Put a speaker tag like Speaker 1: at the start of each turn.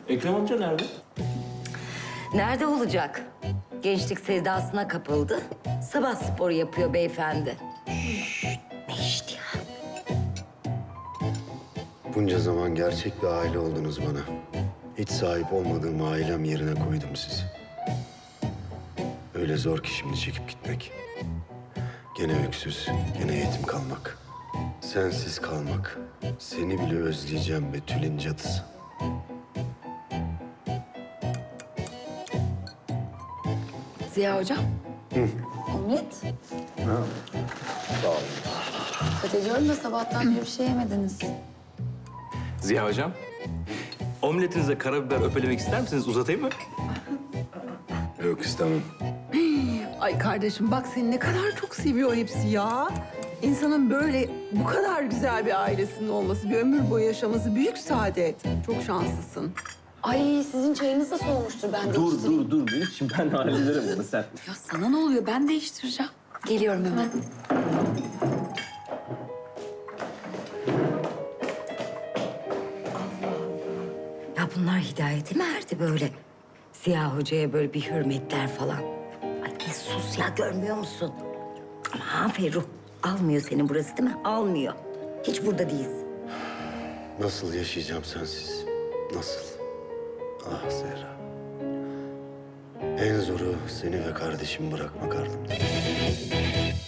Speaker 1: Ekrem amca nerede?
Speaker 2: Nerede olacak? Gençlik sevdasına kapıldı. Sabah sporu yapıyor beyefendi. Ne işti ya?
Speaker 3: Bunca zaman gerçek bir aile oldunuz bana. Hiç sahip olmadığım ailem yerine koydum sizi. Öyle zor ki şimdi çekip gitmek. Gene öksüz, gene yetim kalmak. Sensiz kalmak. Seni bile özleyeceğim be Tülin cadısı.
Speaker 4: Ziya hocam. Omlet.
Speaker 3: Sağ ol.
Speaker 4: Dikkat ediyorum da sabahtan beri bir şey yemediniz.
Speaker 1: Ziya hocam. Omletinize karabiber öpelemek ister misiniz? Uzatayım mı?
Speaker 3: Yok istemem.
Speaker 5: Ay kardeşim bak seni ne kadar çok seviyor hepsi ya. İnsanın böyle bu kadar güzel bir ailesinin olması, bir ömür boyu yaşaması büyük saadet. Çok şanslısın.
Speaker 4: Ay sizin çayınız da soğumuştur ben de içtim.
Speaker 1: dur. Şimdi ben hallederim bunu sen.
Speaker 4: Ya sana ne oluyor? Ben değiştireceğim. Geliyorum hemen.
Speaker 2: Ya bunlar hidayete mi erdi böyle? Ziya Hoca'ya böyle bir hürmetler falan. Ay bir sus ya, görmüyor musun? Ama Ferruh, almıyor seni burası değil mi? Almıyor. Hiç burada değilsin.
Speaker 3: Nasıl yaşayacağım sensiz? Nasıl? Ah Zehra. En zoru seni ve kardeşimi bırakmak ardımda.